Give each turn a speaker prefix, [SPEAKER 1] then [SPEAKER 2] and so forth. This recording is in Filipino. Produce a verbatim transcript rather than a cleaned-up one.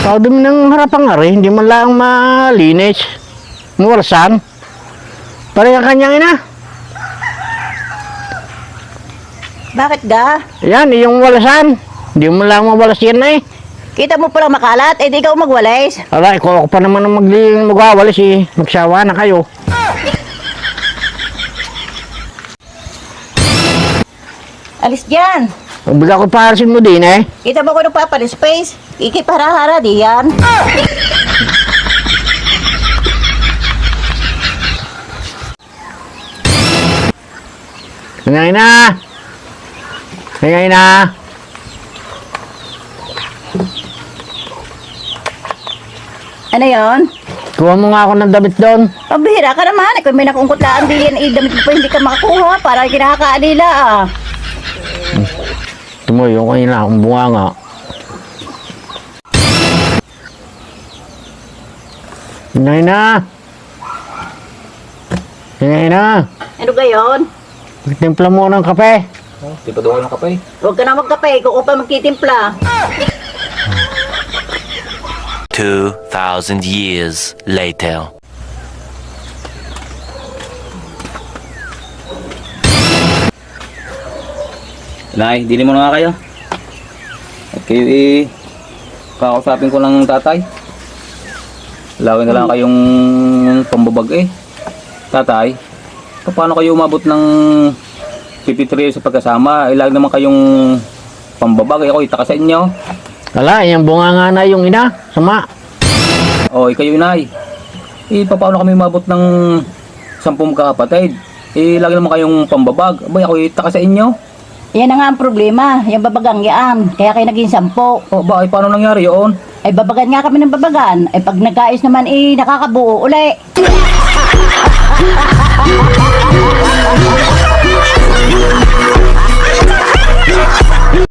[SPEAKER 1] Sabi mo ng harapan nga rin, hindi man lang malinis. Muwalsan. Pare ang kanyang ina.
[SPEAKER 2] Bakit ga?
[SPEAKER 1] Yan, yung walasan. Hindi mo lang mawalas yan na eh.
[SPEAKER 2] Kita mo palang makalat, eh di ikaw magwalis.
[SPEAKER 1] Ala, ikaw ako pa naman ang magling magawalis eh. Magsawa na kayo.
[SPEAKER 2] Alis dyan.
[SPEAKER 1] Pagbiga ko parasin mo din eh.
[SPEAKER 2] Kita mo ko nagpapalis space. Ikipara-hara di yan.
[SPEAKER 1] Ngayon na. Ngayon na.
[SPEAKER 2] Ano yon?
[SPEAKER 1] Kuha mo nga ako ng damit doon.
[SPEAKER 2] Pabihira ka naman. Ikaw may nakungkutlaan di yan. Eh, damit mo pa hindi ka makakuha. Para kinakaalila ah.
[SPEAKER 1] Tumuyo ko yun lang, akong bunga nga. Ngayon na. Ngayon na.
[SPEAKER 2] Ano gayon?
[SPEAKER 1] Timpla mo ng kape.
[SPEAKER 3] Oh, di pa doon ng kape.
[SPEAKER 2] Huwag ka na magkape. Ikaw pa magtitimpla.
[SPEAKER 4] Two thousand years later.
[SPEAKER 3] Nay, dili mo na nga kayo. At kayo eh, kakausapin ko ng tatay. Lawin na lang kayong pambabag eh. Tatay, paano kayo umabot ng fifty-three years sa pagkasama? Ilag naman kayong pambabag. Eh, ako itaka sa inyo.
[SPEAKER 1] Wala, yung bunga nga na yung ina. Sama.
[SPEAKER 3] O, eh, kayo inay. Eh, paano kami umabot ng sampung kakapatid? Eh, lagi naman kayong pambabag. Abay, ako itaka sa inyo.
[SPEAKER 2] Yan na nga ang problema. Yung babagang yan. Kaya kayo naging sampo.
[SPEAKER 3] O, bakit paano nangyari yun?
[SPEAKER 2] Ay babagan nga kami ng babagan. Ay pag nag-aayos naman eh nakakabuo uli.